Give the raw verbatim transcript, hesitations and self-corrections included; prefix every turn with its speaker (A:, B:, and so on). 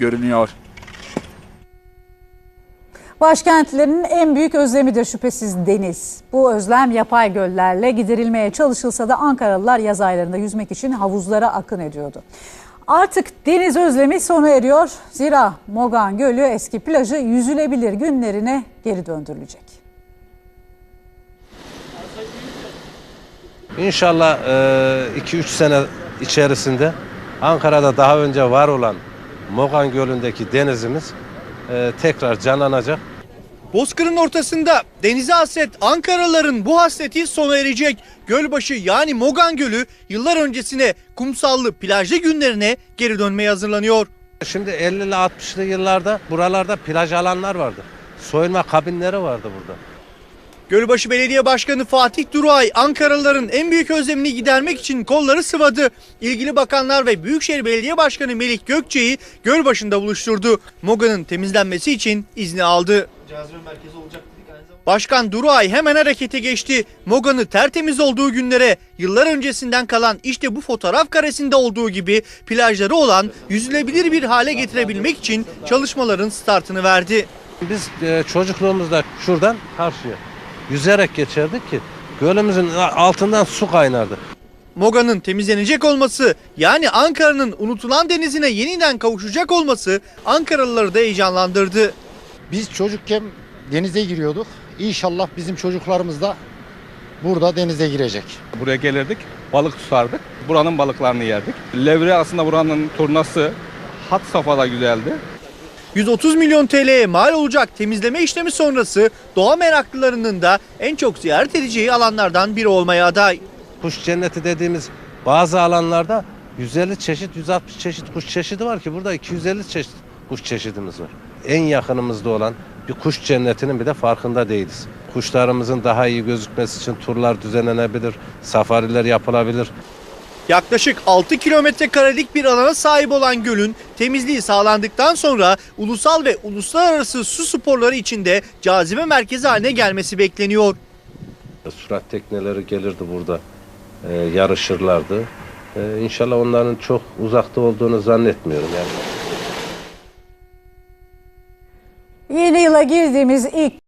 A: görünüyor.
B: Başkentlerin en büyük özlemidir şüphesiz deniz. Bu özlem yapay göllerle giderilmeye çalışılsa da Ankaralılar yaz aylarında yüzmek için havuzlara akın ediyordu. Artık deniz özlemi sona eriyor. Zira Mogan Gölü eski plajı yüzülebilir günlerine geri döndürülecek.
C: İnşallah iki üç sene içerisinde Ankara'da daha önce var olan Mogan Gölü'ndeki denizimiz tekrar canlanacak.
D: Bozkır'ın ortasında denize hasret Ankaralıların bu hasreti sona erecek. Gölbaşı yani Mogan Gölü yıllar öncesine kumsallı plajlı günlerine geri dönmeye hazırlanıyor.
C: Şimdi ellili altmışlı yıllarda buralarda plaj alanlar vardı. Soyunma kabinleri vardı burada.
D: Gölbaşı Belediye Başkanı Fatih Duruay, Ankaralıların en büyük özlemini gidermek için kolları sıvadı. İlgili bakanlar ve Büyükşehir Belediye Başkanı Melik Gökçe'yi Gölbaşı'nda buluşturdu. Mogan'ın temizlenmesi için izni aldı. Başkan Duruay hemen harekete geçti. Mogan'ı tertemiz olduğu günlere, yıllar öncesinden kalan işte bu fotoğraf karesinde olduğu gibi plajları olan yüzülebilir bir hale getirebilmek için çalışmaların startını verdi.
C: Biz çocukluğumuzda şuradan karşıya yüzerek geçerdik ki gölümüzün altından su kaynardı.
D: Mogan'ın temizlenecek olması, yani Ankara'nın unutulan denizine yeniden kavuşacak olması Ankaralıları da heyecanlandırdı.
E: Biz çocukken denize giriyorduk. İnşallah bizim çocuklarımız da burada denize girecek.
F: Buraya gelirdik, balık tutardık. Buranın balıklarını yerdik. Levre aslında buranın turnası had safhada güzeldi.
D: yüz otuz milyon T L'ye mal olacak temizleme işlemi sonrası doğa meraklılarının da en çok ziyaret edeceği alanlardan biri olmaya aday.
C: Kuş cenneti dediğimiz bazı alanlarda yüz elli çeşit, yüz altmış çeşit kuş çeşidi var ki burada iki yüz elli çeşit kuş çeşidimiz var. En yakınımızda olan bir kuş cennetinin bir de farkında değiliz. Kuşlarımızın daha iyi gözükmesi için turlar düzenlenebilir, safariler yapılabilir.
D: Yaklaşık altı kilometre karelik bir alana sahip olan gölün temizliği sağlandıktan sonra ulusal ve uluslararası su sporları içinde cazibe merkezi haline gelmesi bekleniyor.
C: Sürat tekneleri gelirdi burada, e, yarışırlardı. E, İnşallah onların çok uzakta olduğunu zannetmiyorum yani.
B: Yeni yıla girdiğimiz ilk